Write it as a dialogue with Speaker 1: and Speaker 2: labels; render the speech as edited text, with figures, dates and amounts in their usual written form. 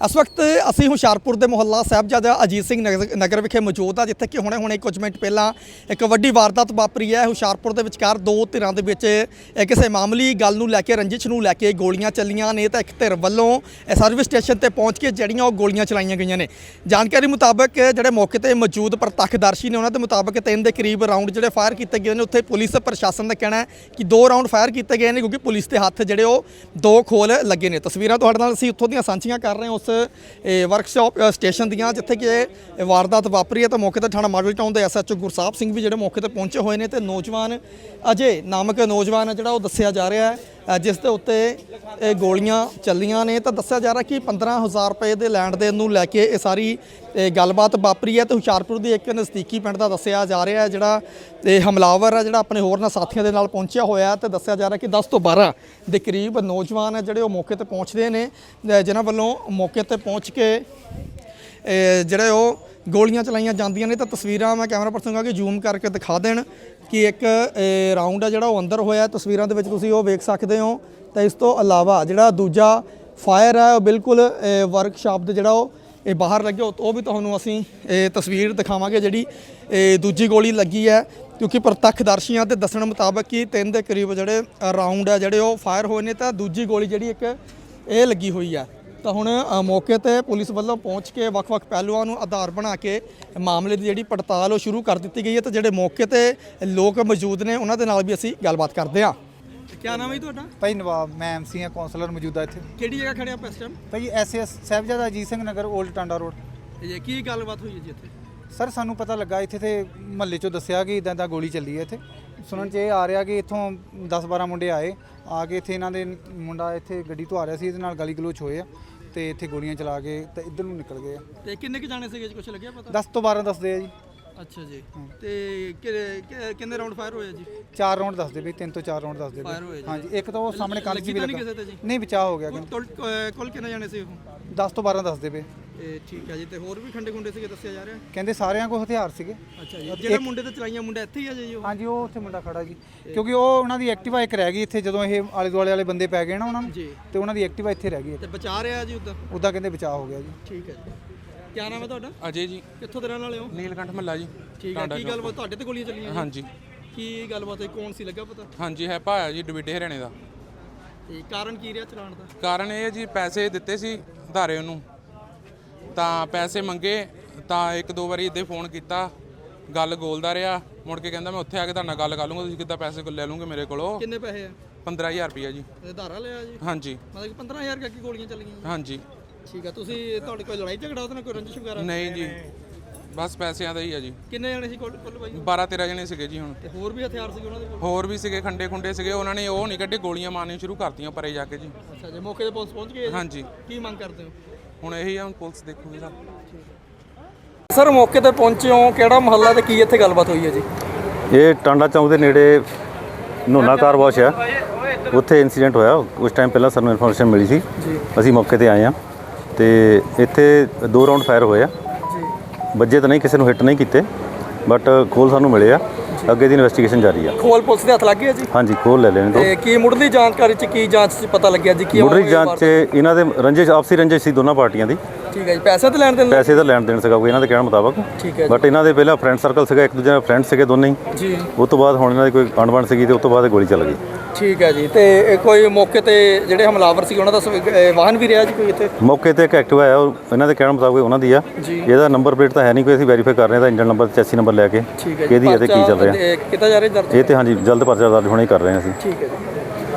Speaker 1: इस वक्त असी हुशियारपुर के मुहल्ला साहिबजादा अजीत सिंह नगर विखे मौजूद आ, जिथे कि हुणे कुछ मिनट पहला एक वड्डी वारदात वापरी है। हुशियारपुर के विचकार दो धिरां दे विच किसी मामूली गल नूं लैके रंजिश नूं लैके गोलियां चलियां ने। तो एक धिर वल्लों सर्विस स्टेशन पर पहुँच के जड़ियां गोलियां चलाईयां गईयां ने। जानकारी मुताबक जिहड़े मौके पर मौजूद प्रतखदर्शी ने उन्हां दे मुताबक 3 के करीब राउंड जिहड़े फायर किए गए हैं। उत्थे पुलिस प्रशासन का कहना है कि 2 राउंड फायर किए गए हैं, क्योंकि पुलिस के हत्थ जिहड़े 2 खोल लगे ने। तस्वीरां तुहाडे नाल असीं उत्थों दीयां सांझीਆਂ कर रहे हैं उस वर्कशॉप स्टेशन दियां जिथे कि वारदात वापरी है। तो मौके पर थाना मॉडल टाउन के SHO गुरसाहिब सिंह भी जो मौके पर पहुंचे हुए हैं। तो नौजवान अजय नामक नौजवान है जो दस्सिया जा रहा है, जिस दे उत्ते गोलियां चलियां ने। तो दस्सिया जा रहा कि 15,000 रुपए के लैंड देन नूं लैके ये सारी गलबात वापरी है। तो हुशियारपुर की एक नज़दीकी पिंड का दस्सिया जा रहा है जिहड़ा हमलावर है, जिहड़ा अपने होरना साथियों के नाल पहुंचा होया है। तो दस्सिया जा रहा कि 10 तो 12 के करीब नौजवान है जिहड़े मौके पर पहुंचते हैं, जिन्हां वल्लों मौके पर पहुंच के जिहड़े गोलियां चलाईयां जांदियां ने। तो तस्वीरां मैं कैमरा पर्सन कहां कि जूम करके दिखा देण कि एक राउंड है जिहड़ा अंदर होया। तस्वीरां दे विच तुसीं ओह वेख सकदे हो। तो इस तो अलावा जिहड़ा दूजा फायर है बिल्कुल वर्कशॉप दे जिहड़ा ये बाहर लगे, वो भी तुहानूं असीं तस्वीर दिखावांगे जिहड़ी दूजी गोली लगी है। क्योंकि प्रतखदर्शियों के दस्सण मुताबक कि 3 के करीब जिहड़े राउंड है जिहड़े फायर होए ने। तो दूजी गोली जिहड़ी एक ये लगी हुई है। तो हुण मौके पर पुलिस वालों पहुँच के वक्-वक् पहलुआं नूं आधार बना के मामले की जिहड़ी पड़ताल शुरू कर दी गई है। तो जिहड़े मौके पर लोग मौजूद ने उन्हां दे नाल भी असीं गलबात करते हैं। क्या नाम है जी तुहाडा?
Speaker 2: भाई नवाब, मैं MC हाँ, कौंसलर मौजूदा इत्थे।
Speaker 1: किहड़ी जगह खड़े आप इस टाइम?
Speaker 2: भाई SAS Sahibzada Ajit Singh Nagar old Tanda road.
Speaker 1: ये की गलबात हुई है जी इत्थे?
Speaker 2: सर सानू पता लगा इत्थे ते महल्ले चों दस्सिया कि इदां गोली चली है। इत्थे सुनन च आ रहा कि इत्थों 10-12 मुंडे आके इत्थे इन्हां दे मुंडा इत्थे गड्डी तो आ रहा सी, इहदे नाल गाली गलोच होए ते इत्थे गोलियां चला के ते इधर नूं निकल गए।
Speaker 1: ते किन्ने के जाने सीगे जी, कुछ लग्या पता?
Speaker 2: 10 तो 12 दसदे आ जी।
Speaker 1: अच्छा जी। ते किन्ने राउंड फायर होए जी?
Speaker 2: 4 राउंड दसदे भी, 3 तो 4 राउंड दसदे
Speaker 1: फायर होए जी।
Speaker 2: हाँ जी, एक तो वो सामने कंध
Speaker 1: लगी
Speaker 2: भी
Speaker 1: तो नहीं
Speaker 2: लगा
Speaker 1: किसे ते जी?
Speaker 2: नहीं, बचाव हो गया।
Speaker 1: कुल किन्ने जाने सी ਉਹ?
Speaker 2: 10 तो 12 दसदे पे।
Speaker 1: ठीक है जी। ਤੇ ਹੋਰ ਵੀ ਖੰਡੇ ਖੁੰਡੇ ਸੀਗੇ ਦੱਸਿਆ ਜਾ ਰਿਹਾ?
Speaker 2: ਕਹਿੰਦੇ ਸਾਰਿਆਂ ਕੋਲ ਹਥਿਆਰ ਸੀਗੇ।
Speaker 1: ਅੱਛਾ ਜੀ। ਜਿਹੜੇ ਮੁੰਡੇ ਤੇ ਚਲਾਈਆਂ ਮੁੰਡਾ ਇੱਥੇ ਹੀ ਆ ਜੀ ਉਹ?
Speaker 2: ਹਾਂਜੀ, ਉਹ ਉੱਥੇ ਮੁੰਡਾ ਖੜਾ ਜੀ, ਕਿਉਂਕਿ ਉਹ ਉਹਨਾਂ ਦੀ ਐਕਟਿਵਾ ਇੱਕ ਰਹਿ ਗਈ ਇੱਥੇ ਜਦੋਂ ਇਹ ਆਲੇ ਦੁਆਲੇ ਵਾਲੇ ਬੰਦੇ ਪੈ ਗਏ ਨਾ ਉਹਨਾਂ ਨੂੰ, ਤੇ ਉਹਨਾਂ ਦੀ ਐਕਟਿਵਾ ਇੱਥੇ ਰਹਿ ਗਈ।
Speaker 1: ਤੇ ਬਚਾ ਰਿਹਾ ਜੀ
Speaker 2: ਉੱਦਾਂ ਕਹਿੰਦੇ ਬਚਾਅ ਹੋ ਗਿਆ ਜੀ।
Speaker 1: ਠੀਕ ਹੈ ਜੀ। ਕੀ ਨਾਮ ਹੈ ਤੁਹਾਡਾ?
Speaker 3: ਅਜੇ ਜੀ।
Speaker 1: ਕਿੱਥੋਂ ਦੇ ਰਹਿਣ ਵਾਲੇ ਹੋ?
Speaker 3: ਨੀਲਕੰਠ ਮਹੱਲਾ ਜੀ।
Speaker 1: ਠੀਕ ਹੈ। ਕੀ ਗੱਲਬਾਤ ਤੁਹਾਡੇ ਤੇ ਗੋਲੀਆਂ ਚੱਲੀਆਂ?
Speaker 3: ਹਾਂਜੀ।
Speaker 1: ਕੀ ਗੱਲਬਾਤ ਹੈ, ਕੌਣ ਸੀ ਲੱਗਾ ਪਤਾ?
Speaker 3: ਹਾਂਜੀ, ਹੈ ਭਾਇਆ ਜੀ ਡਵਿੱਡੇ ਹਰਿਆਣੇ ਦਾ।
Speaker 1: ਤੇ ਕਾਰਨ ਕੀ ਰਿਹਾ ਚਲਾਉਣ ਦਾ?
Speaker 3: ਕਾਰਨ ਇਹ ਜੀ ਪੈਸੇ ਦਿੱਤੇ ਸੀ ਧਾਰੇ ਉਹਨੂੰ, ਤਾਂ ਪੈਸੇ ਮੰਗੇ ਤਾਂ 1-2 ਵਾਰੀ ਇੱਦਾਂ ਫੋਨ ਕੀਤਾ, ਗੱਲ ਗੋਲਦਾ ਰਿਹਾ। ਮੁੜ ਕੇ ਕਹਿੰਦਾ ਮੈਂ ਉੱਥੇ ਆ ਕੇ ਤੁਹਾਡੇ ਨਾਲ ਗੱਲ ਕਰ ਲੂੰਗਾ, ਤੁਸੀਂ ਕਿੱਦਾਂ ਪੈਸੇ ਲੈ ਲੂੰਗੇ ਮੇਰੇ ਕੋਲੋਂ।
Speaker 1: ਕਿੰਨੇ ਪੈਸੇ ਆ?
Speaker 3: 15,000 ਰੁਪਈਆ ਜੀ।
Speaker 1: ਧਾਰਾ ਲਿਆ ਜੀ?
Speaker 3: ਹਾਂਜੀ।
Speaker 1: ਮਤਲਬ ਕਿ 15,000 ਕਰਕੇ ਗੋਲੀਆਂ ਚੱਲੀਆਂ?
Speaker 3: ਹਾਂਜੀ।
Speaker 1: ਠੀਕ ਹੈ। ਤੁਸੀਂ ਤੁਹਾਡੇ ਕੋਈ ਲੜਾਈ ਝਗੜਾ ਉਹਦੇ ਨਾਲ, ਕੋਈ ਰੰਜਿਸ਼ ਵਗੈਰਾ?
Speaker 3: ਨਹੀਂ ਜੀ, ਬਸ ਪੈਸਿਆਂ ਦਾ ਹੀ ਆ ਜੀ।
Speaker 1: ਕਿੰਨੇ ਜਣੇ ਸੀ ਕੁੱਲ ਬਾਈ?
Speaker 3: 12-13 ਜਣੇ ਸੀਗੇ ਜੀ। ਹੁਣ
Speaker 1: ਤੇ ਹੋਰ ਵੀ ਹਥਿਆਰ ਸੀ ਉਹਨਾਂ ਦੇ ਕੋਲ?
Speaker 3: ਹੋਰ ਵੀ ਸੀਗੇ, ਖੰਡੇ ਖੁੰਡੇ ਸੀਗੇ। ਉਹਨਾਂ ਨੇ ਉਹ ਨਹੀਂ ਕੱਢੇ, ਗੋਲੀਆਂ ਮਾਰਨੀਆਂ ਸ਼ੁਰੂ ਕਰਤੀਆਂ ਪਰੇ ਜਾ ਕੇ ਜੀ।
Speaker 1: ਅੱਛਾ ਜੀ। ਮੌਕੇ ਤੇ ਪੁਲਿਸ ਪਹੁੰਚ ਗਈ?
Speaker 3: ਹਾਂਜੀ।
Speaker 1: ਕੀ ਮੰਗ ਕਰਦੇ ਹੋ?
Speaker 3: ਹੁਣ ਇਹੀ ਆ, ਹੁਣ ਪੁਲਿਸ ਦੇਖੂਗੀ ਸਰ।
Speaker 1: ਸਰ ਮੌਕੇ ਤੇ ਪਹੁੰਚੇ ਹੋ, ਕਿਹੜਾ ਮੁਹੱਲਾ ਤੇ ਕੀ ਇੱਥੇ ਗੱਲਬਾਤ ਹੋਈ ਹੈ ਜੀ?
Speaker 4: ਇਹ ਟਾਂਡਾ ਚੌਂਕ ਦੇ ਨੇੜੇ ਨੋਨਾ ਕਾਰ ਵਾਸ਼ ਹੈ, ਉੱਥੇ ਇਨਸੀਡੈਂਟ ਹੋਇਆ। ਉਸ ਟਾਈਮ ਪਹਿਲਾਂ ਸਾਨੂੰ ਇਨਫੋਰਮੇਸ਼ਨ ਮਿਲੀ ਸੀ, ਅਸੀਂ ਮੌਕੇ ਤੇ ਆਏ ਹਾਂ। ਤੇ ਇੱਥੇ 2 ਰਾਊਂਡ ਫਾਇਰ ਹੋਏ ਆ, ਵੱਜੇ ਤਾਂ ਨਹੀਂ, ਕਿਸੇ ਨੂੰ ਹਿੱਟ ਨਹੀਂ ਕੀਤੇ, ਬਟ ਖੋਲ ਸਾਨੂੰ ਮਿਲੇ ਆ। ਅੱਗੇ ਦੀ ਇਨਵੈਸਟੀਗੇਸ਼ਨ ਜਾਰੀ ਆ।
Speaker 1: ਖੋਲ ਪੁਲਿਸ ਦੇ ਹੱਥ ਲੱਗ ਗਿਆ ਜੀ? ਹਾਂਜੀ,
Speaker 4: ਖੋਲ ਲੈ ਲੈਣੇ ਤੋਂ।
Speaker 1: ਤੇ ਕੀ ਮੁੱਢਲੀ ਜਾਣਕਾਰੀ ਚ ਕੀ ਜਾਂਚ ਚ ਪਤਾ ਲੱਗਿਆ ਜੀ? ਕੀ
Speaker 4: ਮੁੱਢਲੀ ਜਾਂਚ 'ਚ ਇਹਨਾਂ ਦੇ ਰੰਜਿਸ਼, ਆਪਸੀ ਰੰਜਿਸ਼ ਸੀ ਦੋਨਾਂ ਪਾਰਟੀਆਂ ਦੀ।
Speaker 1: ਠੀਕ ਹੈ ਜੀ। ਪੈਸੇ ਤਾਂ ਲੈਣ ਦੇਣ?
Speaker 4: ਪੈਸੇ ਦਾ ਲੈਣ ਦੇਣ ਸੀਗਾ ਕੋਈ ਇਹਨਾਂ ਦੇ ਕਹਿਣ ਮੁਤਾਬਕ।
Speaker 1: ਠੀਕ ਹੈ।
Speaker 4: ਬਟ ਇਹਨਾਂ ਦੇ ਪਹਿਲਾਂ ਫਰੈਂਡ ਸਰਕਲ ਸੀਗਾ, ਇੱਕ ਦੂਜੇ ਨਾਲ ਫਰੈਂਡ ਸੀਗੇ ਦੋਨੇ ਹੀ ਜੀ। ਉਸ ਤੋਂ ਬਾਅਦ ਹੁਣ ਇਹਨਾਂ ਦੀ ਕੋਈ ਅਣਬਣ ਸੀਗੀ ਤੇ ਉਸ ਤੋਂ ਬਾਅਦ ਗੋਲੀ ਚੱਲ ਗਈ।
Speaker 1: ਠੀਕ ਹੈ ਜੀ। ਤੇ ਕੋਈ ਮੌਕੇ ਤੇ ਜਿਹੜੇ ਹਮਲਾਵਰ ਸੀ ਉਹਨਾਂ ਦਾ ਵਾਹਨ ਵੀ ਰਿਹਾ ਜੀ ਕੋਈ ਇੱਥੇ? ਮੌਕੇ
Speaker 4: ਤੇ ਇੱਕ ਐਕਟਿਵਾ ਆਇਆ, ਉਹ ਇਹਨਾਂ ਦੇ ਕਹਿਣ ਮੁਤਾਬਕ ਉਹਨਾਂ ਦੀ ਆ। ਇਹਦਾ ਨੰਬਰ ਪਲੇਟ ਤਾਂ ਹੈ ਨਹੀਂ ਕੋਈ, ਅਸੀਂ ਵੈਰੀਫਾਈ ਕਰ ਰਹੇ ਹਾਂ। ਇੰਜਨ ਨੰਬਰ, ਚੈਸੀ ਨੰਬਰ ਲੈ ਕੇ ਕਿਹਦੀ ਹੈ ਤੇ ਕੀ ਚੱਲ ਰਿਹਾ
Speaker 1: ਕਿੱਦਾਂ ਜਾ ਰਹੇ?
Speaker 4: ਇਹ ਤੇ ਹਾਂਜੀ ਜਲਦ ਪਰਚਾ ਦਰਜ ਹੋਣਾ ਹੀ ਕਰ ਰਹੇ ਹਾਂ ਅਸੀਂ।
Speaker 1: ਠੀਕ ਹੈ ਜੀ।